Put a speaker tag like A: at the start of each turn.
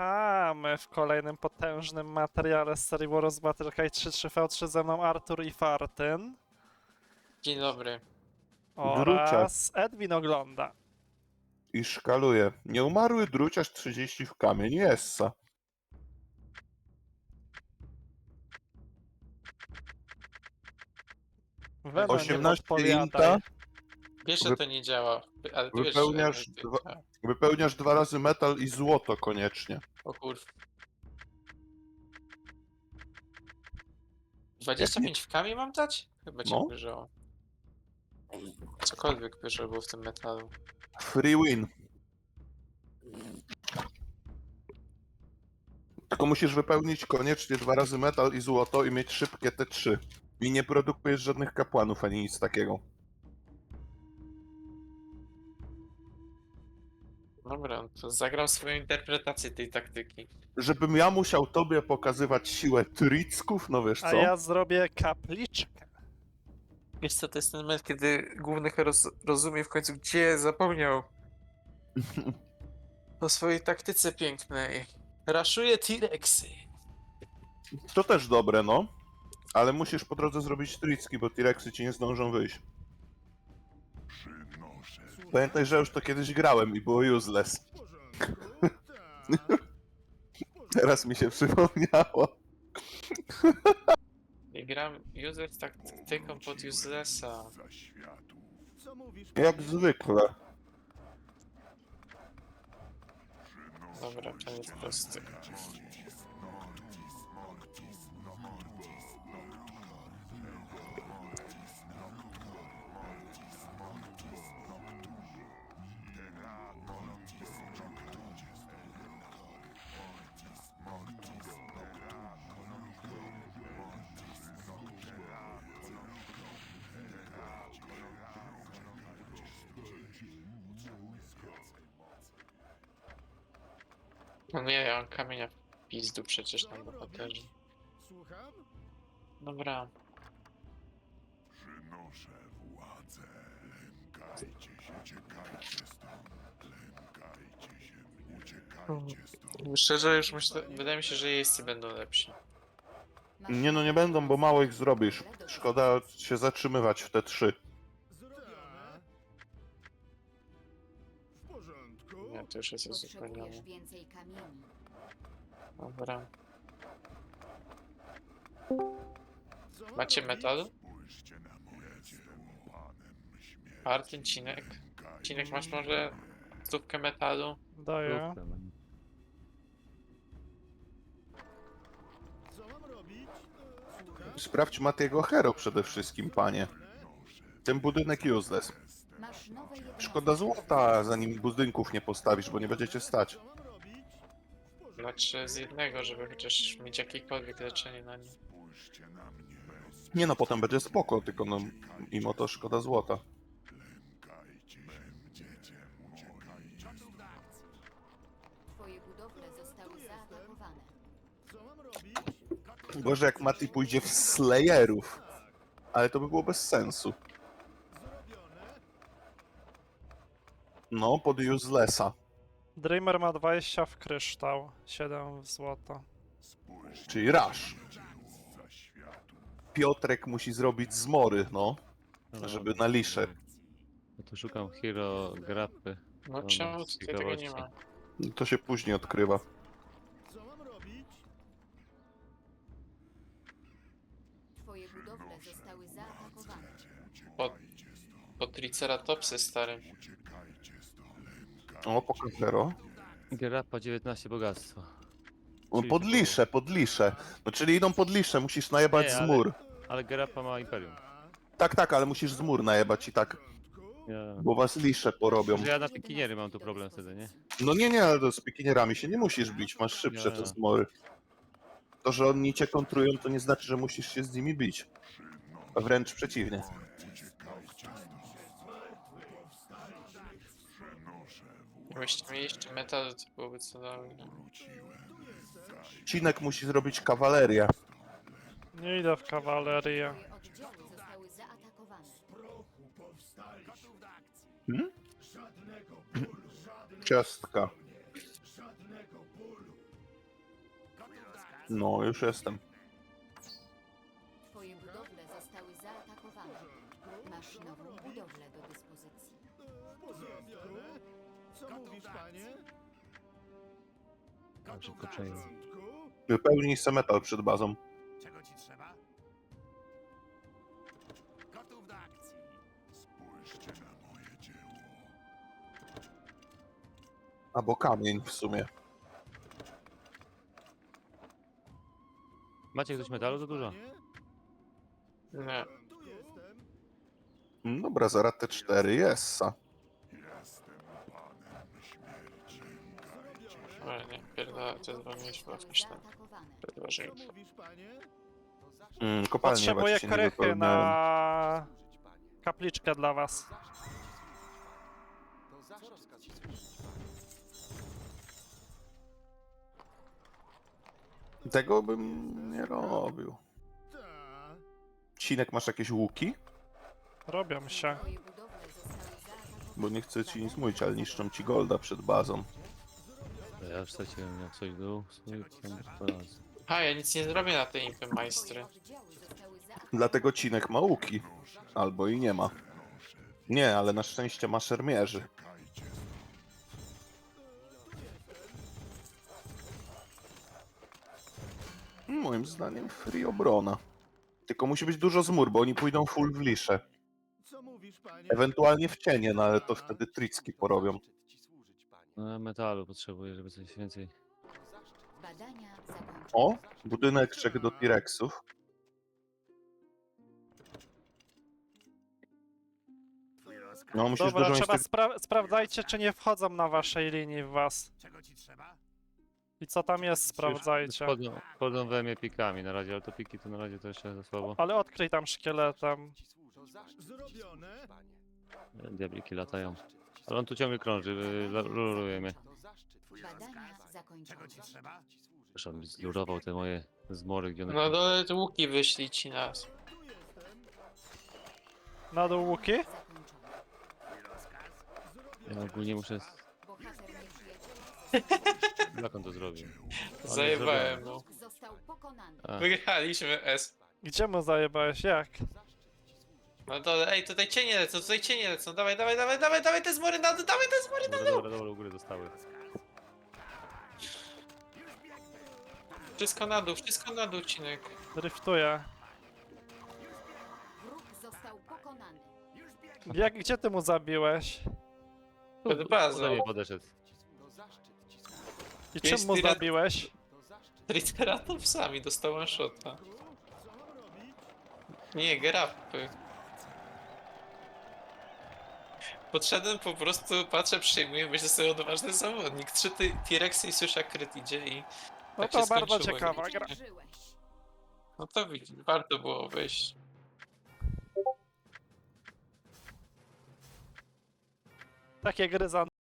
A: Witamy w kolejnym potężnym materiale z serii Warriors Battle Cry 3-3v3 ze mną Artur i Fartyn
B: Dzień dobry.
A: oraz Edwin ogląda.
C: I szkaluje. Nieumarły druciarz 30 w kamień. Jessa.
A: Weno, nie
C: 18
A: podpowiadaj.
C: inta.
B: Wiesz, że to nie działa, ale ty wiesz,
C: Wypełniasz
B: że to nie
C: dwa-
B: działa.
C: Wypełniasz 2 razy metal i złoto koniecznie.
B: O kurw. 25 w kamień mam dać? Chyba cię
C: No.
B: wyżało. Cokolwiek wyżej było w tym metalu.
C: Free win. Tylko musisz wypełnić koniecznie 2 razy metal i złoto i mieć szybkie te 3. I nie produkujesz żadnych kapłanów ani nic takiego.
B: Dobra, to zagram swoją interpretację tej taktyki.
C: Żebym ja musiał tobie pokazywać siłę tricków, no wiesz
A: A
C: co?
A: ja zrobię kapliczkę.
B: Wiesz co, to jest ten moment, kiedy główny hero rozumie w końcu, gdzie zapomniał o swojej taktyce pięknej. Raszuje T-Rexy.
C: To też dobre, no. Ale musisz po drodze zrobić tricki, bo T-Rexy ci nie zdążą wyjść. Pamiętaj, że już to kiedyś grałem i było useless. Teraz mi się przypomniało.
B: I gram useless taktyką pod uselessa.
C: Jak zwykle.
B: Dobra, to jest prosty. No nie, ja mam kamienia w pizdu przecież na bohaterze.
D: Słucham?
B: Dobra.
D: Przynoszę władzę. Lękajcie się, uciekajcie stąd. Lękajcie się, uciekajcie stąd.
B: Szczerze już myślę, wydaje mi się, że jeźdźcy będą lepsi.
C: Nie no, nie będą, bo mało ich zrobisz. Szkoda się zatrzymywać w te 3.
D: Zrobione. W porządku.
B: Nie, to już jest uzupełnione.
E: Potrzebujesz więcej kamieni.
B: Dobra.
D: Co mam
B: Macie
D: robić?
B: metal?
D: Spójrzcie na moje dzieło. Panem śmierci.
B: Martin, Cinek. Cinek, masz może stówkę metalu?
A: Daję.
D: Co mam robić? Słucham?
C: Sprawdź Matiego Hero przede wszystkim, panie. Ten budynek useless.
E: Masz nowe jednostki.
C: Szkoda złota, zanim budynków nie postawisz, bo nie będziecie stać.
D: Co mam robić? W porządku.
B: Znaczy z jednego, żeby chociaż mieć jakiekolwiek leczenie na nim.
D: Spójrzcie na mnie.
C: Nie no, potem będzie spoko, tylko no, mimo to szkoda złota.
D: Lękajcie się. Będziecie uciekajcie.
E: Twoje budowle zostały zaatakowane.
D: Co mam robić?
C: Gorzej jak Mati pójdzie w Slayerów. Ale to by było bez sensu.
D: Zrobione.
C: No, pod uselessa.
A: Dreamer ma 20 w kryształ, 7 w złoto.
C: Czyli Rush.
D: Za światu.
C: Piotrek musi zrobić zmory, no. Żeby na liszę.
F: No to szukam hero grappy.
B: No
F: No,
B: czemu
F: no,
B: tutaj tego nie ma?
C: To się później odkrywa.
D: Co mam robić?
E: Twoje budowle zostały zaatakowane.
B: Pod Triceratopsy stary.
C: O, pokaż Hero.
F: Grappa 19 bogactwa.
C: O,
F: Czyli
C: pod
F: to-
C: liszę, pod liszę. No czyli idą pod liszę, musisz najebać
F: Nie,
C: z
F: ale-
C: mur.
F: Ale Grappa ma Imperium.
C: Tak, tak, ale musisz z mur najebać i tak,
F: Ja...
C: bo was lisze porobią.
F: Że ja na pikiniery mam tu problem wtedy, nie?
C: No nie, ale to z pikinierami się nie musisz bić, masz szybsze
F: Nie.
C: te zmory. To, że oni cię kontrują, to nie znaczy, że musisz się z nimi bić. A wręcz przeciwnie.
B: Gdybyście mieli jeszcze metal, to byłoby cudownie.
C: Cinek musi zrobić kawalerię.
A: Nie idę w kawalerię.
E: Twoje oddziały zostały zaatakowane.
C: Ciastka. No, już jestem.
E: Twoje budowle zostały zaatakowane. Masz nową budowlę do dyspozycji.
G: Co mówisz, panie?
F: Tam szybko przejdę.
C: Wypełnij se metal przed bazą.
D: Czego ci trzeba? Gotów do akcji. Spójrzcie na moje dzieło.
C: Albo kamień w sumie.
F: Macie ktoś metalu? To dużo.
B: Nie.
G: Tu jestem.
C: Dobra, zaraz te 4 jest.
D: Jestem panem śmierci.
B: Ale nie, pierdolę, to jest wam
E: Zostały
B: jakieś tam
E: zaatakowane.
G: Co
B: ważniejsze.
G: mówisz, panie?
C: Kopalnie
A: Potrzebuję
C: właśnie nie
A: krychy
C: wypełniałem.
A: na kapliczkę dla was.
C: Tego bym nie robił.
G: Ta.
C: Cinek, masz jakieś łuki?
A: Robią się.
E: Twoje budowle zostały zaatakowane.
C: Bo nie chcę ci nic mówić, ale niszczą ci golda przed bazą.
F: Ja już straciłem jak coś był. Swój raz.
B: A, ja nic nie zrobię na tej impy
E: Twoje
B: majstry.
E: oddziały zostały zaatakowane.
C: Dlatego Cinek ma łuki. Albo i nie ma. Nie, ale na szczęście ma szermierzy. Moim zdaniem free obrona. Tylko musi być dużo zmur, bo oni pójdą full w lisze.
G: Co mówisz, panie?
C: Ewentualnie w cienie, no ale to wtedy tricki porobią.
F: No, metalu potrzebuję, żeby coś więcej.
E: Badania zakończone.
C: O, budyneczek do T-Rexów. No musisz
A: Dobra,
C: dużo mieć
A: trzeba
C: tych...
A: sprawdzajcie, czy nie wchodzą na waszej linii w was.
D: Czego ci trzeba?
A: I co tam jest, sprawdzajcie.
F: Wchodzą we mnie pikami na razie, ale to piki to na razie to jeszcze za słabo.
A: Ale odkryj tam szkieletem.
G: Zrobione.
F: Diabliki latają. Ale on tu ciągle krąży, luruje mnie.
E: Badania zakończone.
D: Czego ci trzeba?
F: Zresztą mi zlurował te moje zmory, gdzie one...
B: No dole te łuki wyszli ci nas.
G: Tu jestem.
A: Na dół łuki?
E: Zakończone.
F: Ja ogólnie muszę...
E: Bohater nieprzyjaciela
F: Jak on to zrobił?
B: Zajebałem mu.
E: został pokonany.
F: A,
B: Wygraliśmy S.
A: Gdzie mu zajebałeś? Jak?
B: No dole, ej, tutaj cienie lecą. Dawaj, dawaj, dawaj, dawaj, dawaj te zmory na dół, dawaj te zmory na dół.
F: dobra, u góry zostały.
B: Wszystko na dół, Cinek.
A: Driftuję.
E: Wróg został pokonany.
A: Gdzie ty mu zabiłeś?
B: Pod bazą.
F: Do mnie podeszedł.
A: I czym
B: Jest
A: mu
B: tira-
A: zabiłeś?
B: Triceratopsami dostałem shota. Nie, grapy. Podszedłem po prostu, patrzę, przyjmuję, myślę sobie odważny zawodnik. 3 T-Rexy i słyszę kryt idzie i...
A: No
B: tak
A: to
B: się
A: bardzo
B: skończyło.
A: ciekawa gra.
E: Zwyciężyłeś.
B: No to widzisz, warto było wyjść.
A: Takie gry za